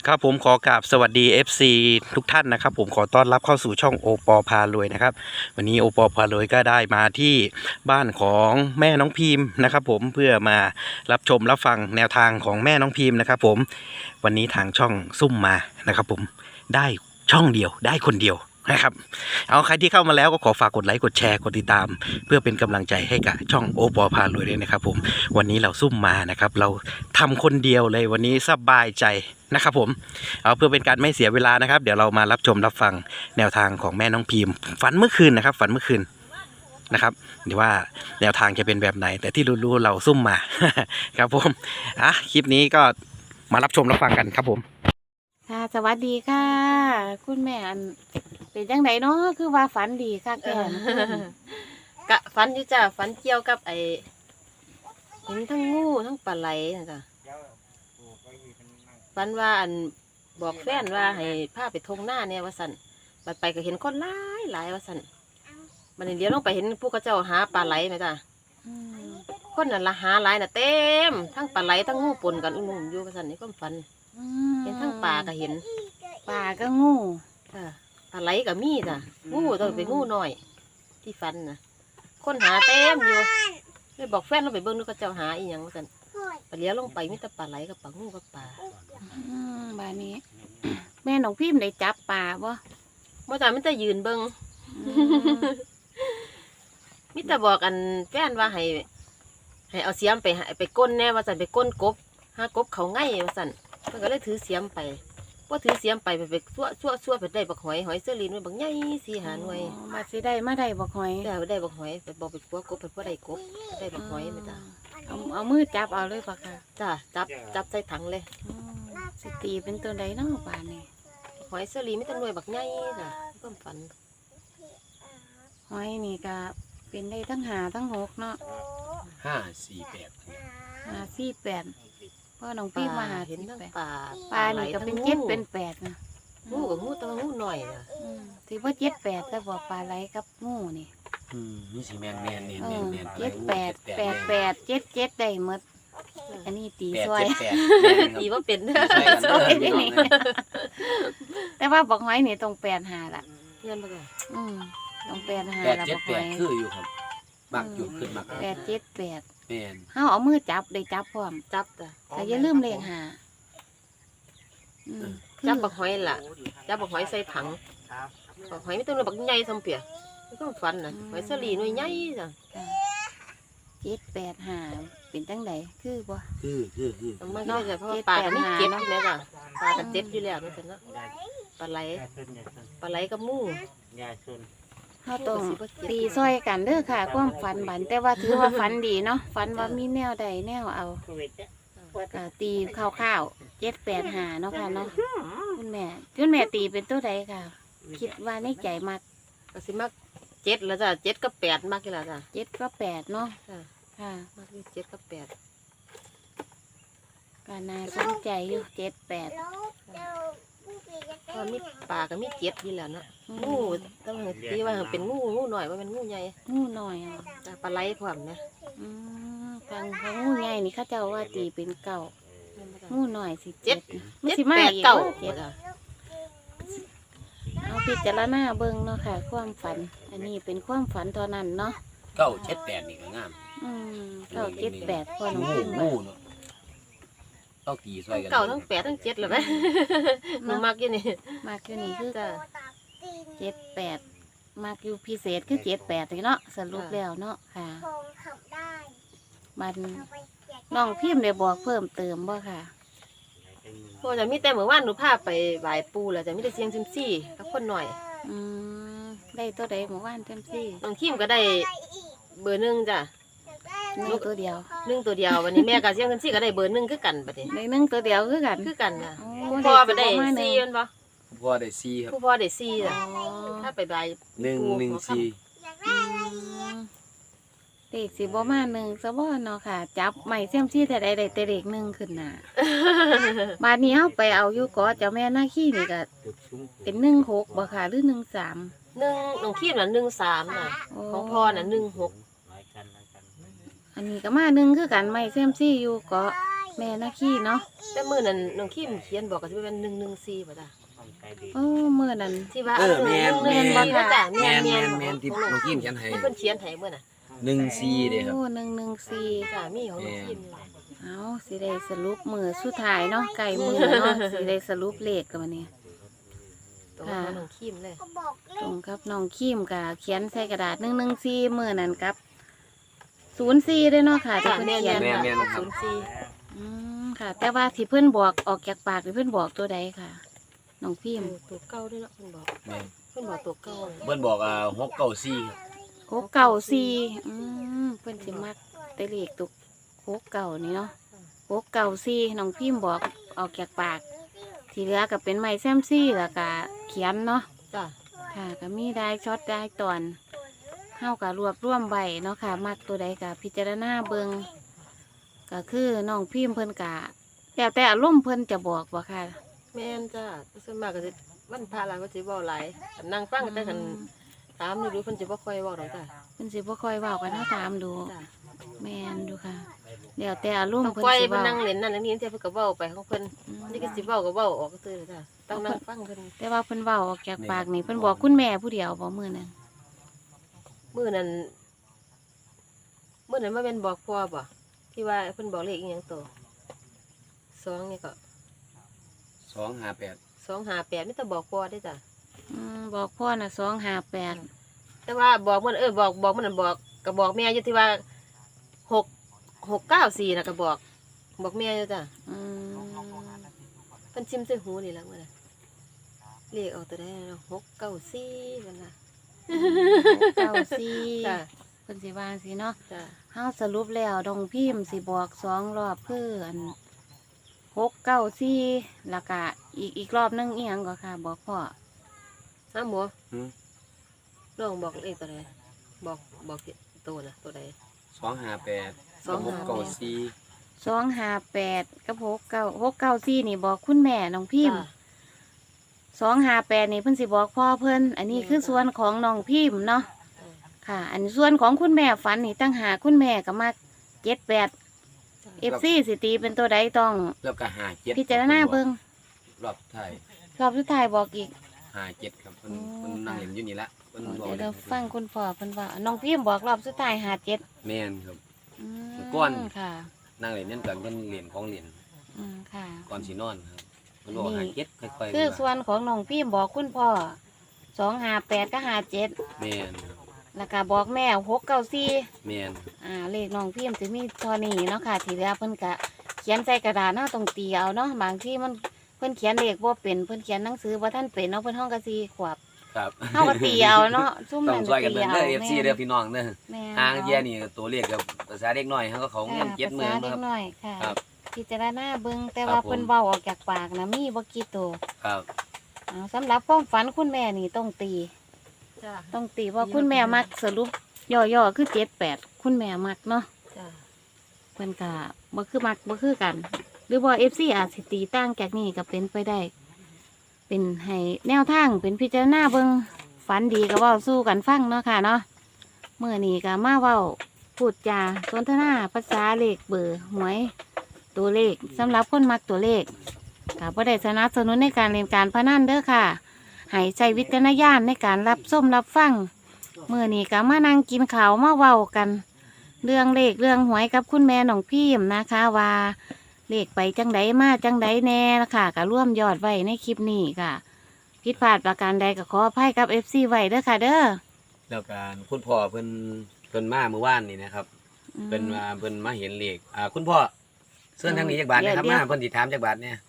ครับผมขอกราบสวัสดี FC ทุกท่านนะครับผมขอต้อนรับเข้าสู่ช่องโอปอพารวยนะครับวันนี้โอปอพารวยก็ได้มาที่บ้านของแม่น้องพิมพ์นะครับผมเพื่อมารับชมรับฟังแนวทางของแม่น้องพิมพ์นะครับผมวันนี้ทางช่องซุ่มมานะครับผมได้ช่องเดียวได้คนเดียวนะครับเอาใครที่เข้ามาแล้วก็ขอฝากกดไลค์กดแชร์กดติดตาม เพื่อเป็นกำลังใจให้กับช่องโอปอพารวยด้วยนะครับผมวันนี้เราซุ่มมานะครับเราทำคนเดียวเลยวันนี้สบายใจนะครับผมเอาเพื่อเป็นการไม่เสียเวลานะครับเดี๋ยวเรามารับชมรับฟังแนวทางของแม่น้องพิมพ์ฝันเมื่อคืนนะครับฝันเมื่อคืนนะครับเดี๋ยวว่าแนวทางจะเป็นแบบไหนแต่ที่รู้ๆเราซุ่มมา ครับผมคลิปนี้ก็มารับชมรับฟังกันครับผมค่ะสวัสดีค่ะ คุณแม่อันเป็นจังไดเนาะคือว่าฝันดีค่ะแกนกะฝันอยู่จ้ะฝันเกี่ยวกับเห็นทั้งงูทั้งปลาไหลนะจ้ะฝันว่าบอกแฟนว่าให้พาไปทงหน้าเนี่ยว่าสั่นบัดไปก็เห็นคนหลายว่าสั่นบัดนี้เดี๋ยวลงไปเห็นพวกเขาเจ้าหาปลาไหลไหมจ้ะคนนั่นละหาหลายน่ะเต็มทั้งปลาไหลทั้งงูปนกันอุ้มอยู่ว่าสั่นนี่ก็ฝันเห็นทั้งปลาก็เห็นปลาก็งูจ้ะปลาไหลก็มีจ้ะงูต้องเป็นงูน้อยที่ฝันนะคนหาเต็มอยู่เลยบอกแฟนเราไปเบิ่งดูเขาเจ้าหาอีหยังว่าสั่นปลาเลี้ยลงไปมีแต่ปลาไหลกับปลางูกับปลาบานนี้ แม่น้องพิมพ์ได้จับปลาบ่เมื่อจ้ามิแต่ยืนเบิ่งมิแต่บอกแฟนว่าให้เอาเสียมไปก้นแน่ว่าสั่นไปก้นกบหากบเขาง่ายว่าสั่นมันก็เลยถือเสียมไปว่าถือเสียมไปชั่วไปได้บักหอยเสื้อลีนไว้บักใหญ่4-5 หน่วยมาสิได้มาได้บ่หอยได้บักหอยไปบอกไปกัวกบไปพวกได้กบได้บักหอยไหมจ้าเอามือจับเอาเลยปะค่ะจ้าจับใส่ถังเลยสิตีเป็นตัวใดเนาะปลานี่หอยเสื้อลีไม่ต้องหน่วยบักใหญ่จ้ะก็ฝันหอยนี่ก็เป็นได้ทั้งหาทั้งหกเนาะ 548 พ่อน้องพิมพ์มาหาเห็นทั้งปลานี่ก็เป็น7เป็น8นะงูกับงูตัวงูหน่อยนะถือว่า7-8แต่บอกปลาไหลกับงูนี่นี่สิแม่น 7-8-8-8-7ได้หมดอันนี้ตีซวยตีว่าเป็นซวยนี่แต่ว่าบอกหอยนี่ตรง8-5ล่ะเพื่อนมาก่อนตรง8-5ล่ะบอกหอยคืออยู่ครับมักอยู่ขึ้นมัก 8-7-8แม่นเฮาเอามือจับได้จับพร้อมจับจ้ะแต่อย่าลืมเลข5 จับบักหอยล่ะจับบักหอยใส่ถังบักหอยไม่ต้องบักใหญ่สมเปียไม่ต้องฟันนะหอยเสื้อลีหน่วยใหญ่จ้ะ 7-8-5เป็นจังไดคือบ่คือมันก็จะเพราะปลาไม่เจ็บใช่ไหมจ้ะปลากับเจ็บอยู่แล้วนั่นเนาะปลาไหลกับมูเฮาต้องตีซอยกันเด้อค่ะความฝันบันแต่ว่าถือว่าฝันดีเนาะฝันว่ามีแนวใดแนวเอาก็ตีคร่าวๆ7-8-5เนาะค่ะเนาะคุณแม่ตีเป็นตัวใดค่ะคิดว่าในใจมักก็สิมัก7แล้วจ้ะ7กับ8มักกี่ละจ้ะ 7กับ8เนาะค่ะมัก7กับ8 ก็น่าสนใจอยู่7-8 พอมีปลาก็มี7อยู่แล้วเนาะงูต้องตีว่าเป็นงูหน่อยว่าเป็นงูใหญ่งูหน่อยปลาไหลพร้อมนะฟังงูใหญ่นี่เขาเจ้าว่าตีเป็นเก่างูหน่อยสิ 7 มันสิมาอีกเก่าเอาพิจารณาเบิ่งเนาะค่ะความฝันอันนี้เป็นความฝันเท่านั้นเนาะ 978นี่ก็งาม 9-7-8พอน้องพิมพ์งูเนาะต้องตีซอยกันเก่าทั้ง8ทั้ง7เลยไหมหนูมักอยู่นี่มักอยู่นี่คือ7-8มักอยู่พิเศษคือ7-8เนาะสรุปแล้วเนาะค่ะมันน้องพิมพ์ได้บอกเพิ่มเติมบ่ค่ะพอจะมีแต่เมื่อวานหนูพาไปไหว้ปู่แล้วจะมีแต่เสียงซิมซี่กับคนหน่อยได้ตัวใดเมื่อวานเต็มที่น้องคิมก็ได้เบอร์1จ้ะ 1ตัวเดียววันนี้แม่ก็เสียงซิมซี่ก็ได้เบอร์1คือกันบัดนี้ได้1ตัวเดียวคือกันจ้ะพ่อไปได้4มันบ่พ่อได้4ครับพ่อได้4จ้ะถ้าไปไหว้ 114 เด็กสิบ่มา1ซะบ่เนาะค่ะจับใหม่เสี่ยมซี่แต่ใดได้แต่เด็ก1ขึ้นน่ะบาดนี้เฮาไปเอาอยู่เกาะเจ้าแม่นาคีนี่ก็เป็น16บ่ค่ะหรือ13 น้องคิมน่ะ13น่ะของพ่อน่ะ16 อันนี้ก็มา1คือกันใหม่เสี่ยมซี่อยู่เกาะแม่นาคีเนาะแต่มื้อนั้นน้องคิมเขียนบอกก็สิเป็น114บ่จ้ะโอ้มื้อนั้นที่ว่าแม่นแม่นบ่จ้ะแม่นที่น้องกิมเขียนให้เพิ่นเขียนให้มื้อน่ะ 14เด้ครับโอ้114 จ้ะมีของน้องคิมเอาสิได้สรุปมือสุดท้ายเนาะไก่มือเนาะ สิได้สรุปเลขกันวันนี้ตรงกับน้องคิมเลยตรงครับน้องคิมกับเขียนใส่กระดาษ114มือนั่นครับ04ด้วยเนาะค่ะที่จ้ะเพิ่นแม่นเขียนๆแม่นค่ะ04 ค่ะ แต่ว่าที่เพิ่นบอกออกจากปากที่เพิ่นบอกตัวใดค่ะน้องพิมพ์ตัวเก่าด้วยเนาะเพิ่นบอกแม่นเพิ่นบอกตัวเก่าเลยเพิ่นบอก694ครับโคกเก่าสี่เพิ่นสิมักแต่เลขตุกโคกเก่านี่เนาะโคกเก่าสี่น้องพิมพ์บอกออกจากปาก ที่เหลือก็เป็นไม้แซมซี่แล้วก็เขียนเนาะจ้ะค่ะก็มีได้ช็อตได้ตอนเฮากับรวบรวมไว้เนาะค่ะ มักตัวใดกับพิจารณาเบิงก็คือน้องพิมพ์เพิ่นกะแล้วแต่อารมณ์เพิ่นจะบอกว่าค่ะแม่นจ้ะส่วนมากก็สิวันพระหลายก็สิเว้าหลายคันนั่งฟังแต่คันถามดูเพิ่นสิบ่ค่อยเว้าดอกจ้ะเพิ่นสิบ่ค่อยเว้ากันเฮาตามดูจ้ะแม่นดูค่ะแล้วแต่อารมต้อณ์งเพิ่นปล่อยสิเพิ่นเว้านั่งเล่นนั่นอันนี้เพิ่นก็เว้าไปของเพิ่นอืมนี่ก็สิเว้าก็เว้าออกซื่อๆจ้ะต้องนั่งฟังเพิ่นแต่ว่าเพิ่นเว้าออกจากปากนี่เพิ่นบอกคุณแม่ผู้เดียวบ่มื้อนั้นมื้อนั้นมาเป็นบอกพ่อบ่ที่ว่าเพิ่นบอกเลขอีหยังตัว2นี่ก็ 258 258มีแต่บอกพ่อได้จ้ะบอกพ่อน่ะ258 แต่ว่าบอกมันบอกมันบอกก็บอกแม่อยู่ที่ว่า694น่ะก็บอกแม่อยู่จ้ะอืมเพิ่นชิมใส่หูนี่ล่ะมื้อน่ะเลขเอาตัวได้เนาะ694เพิ่นน่ะ 94 จ้ะเพิ่นสิวางสิเนาะจ้ะเฮาสรุปแล้วดงพิมพ์สิบอก2รอบคืออัน694แล้วก็อีกรอบหนึงอีหยังก็ค่ะ บอกพ่อฮะหมูหือน้องบอกเลขตัวใดบอกตัวน่ะตัวใด 258 694 258กับ694นี่บอกคุณแม่น้องพิมพ์ 258นี่เพิ่นสิบอกพ่อเพิ่นอันนี้คือส่วนของน้องพิมพ์เนาะค่ะ อันส่วนของคุณแม่ฝันนี่ตั้งหาคุณแม่ก็มา78 FC สิตีเป็นตัวใดต้องแล้วก็57 พิจารณาเบิ่งรอบท้ายรอบสุดท้ายบอกอีก 57ครับเพิ่นนั่งเล่นอยู่นี่ละเพิ่นบอกเดี๋ยวเราฟังคุณพ่อเพิ่นว่าน้องพิมพ์บอกรอบสุดท้าย57 แม่นครับอืมก้อนค่ะนั่งเล่นนั่นกันเพิ่นเล่นของเล่นค่ะก่อนสินอนครับเพิ่นบอกนี่ 57ค่อยๆคือส่วนของน้องพิมพ์บอกคุณพ่อ258กับ57 แม่นครับแล้วก็บอกแม่694 แม่นเลขน้องพิมพ์จะมีเทอนี้เนาะค่ะที่เหลือเพิ่นก็เขียนใส่กระดาษเนาะตรงตีเอาเนาะบางที่มันเพิ่นเขียนเลขบ่เป็นเพิ่นเขียนหนังสือบ่ทันเป็นเนาะเพิ่นห้องกะซีขวบครับเฮาก็ตีเอาเนาะซุ่มต้องนั่นช่วยกันตีเบิ่งเอาเด้อ FC เด้อพี่น้องเด้อแม่ทางเยียนี่ตัวเลขกับภาษาเด็กน้อยเฮาก็เขาเงินภาษา 70,000 เด็ครักบน้อยค่ะครับพิจารณาเบิ่งแต่ครับว่าผมเพิ่นเว้าออกจากปากนะมีบ่กี่ตัวครับสำหรับความฝันคุณแม่นี่ต้องตีจ้ะต้องตีว่าคุณแม่มักสรุปย่อๆคือ78คุณแม่มักเนาะจ้ะเพิ่นก็บ่คือมักบ่คือกัน หรือว่า FC อาจสิตีต่างจากนี้ก็เป็นไปได้ เป็นให้แนวทางเป็นพิจารณาเบิ่งฝันดีก็เว้าสู้กันฟังเนาะค่ะเนาะเมื่อนี้ก็มาเว้าพูดจาสนทนาภาษาเลขเบอร์หวยตัวเลขสำหรับคนมักตัวเลขก็บ่ได้สนับสนุนในการเล่นการพนันเด้อค่ะให้ใช้วิจารณญาณในการรับชมรับฟังเมื่อนี้ก็มานั่งกินข้าวมาเว้ากัน เรื่องเลขเรื่องหวยกับคุณแม่น้องพิมพ์นะคะว่าเลขไปจังใดมาจังใดแน่นะคะก็ร่วมยอดไว้ในคลิปนี้ค่ะผิดพลาดประการใดก็ขออภัยกับ FC ไว้เด้อค่ะเด้อแล้วการคุณพ่อเพิ่นมาเมื่อวานนี่นะครับเพิ่นมาเห็นเลขคุณพ่อเสื้อทางนี้จักบาทนะครับมาเพิ่นสิถามจักบาทเนี่ย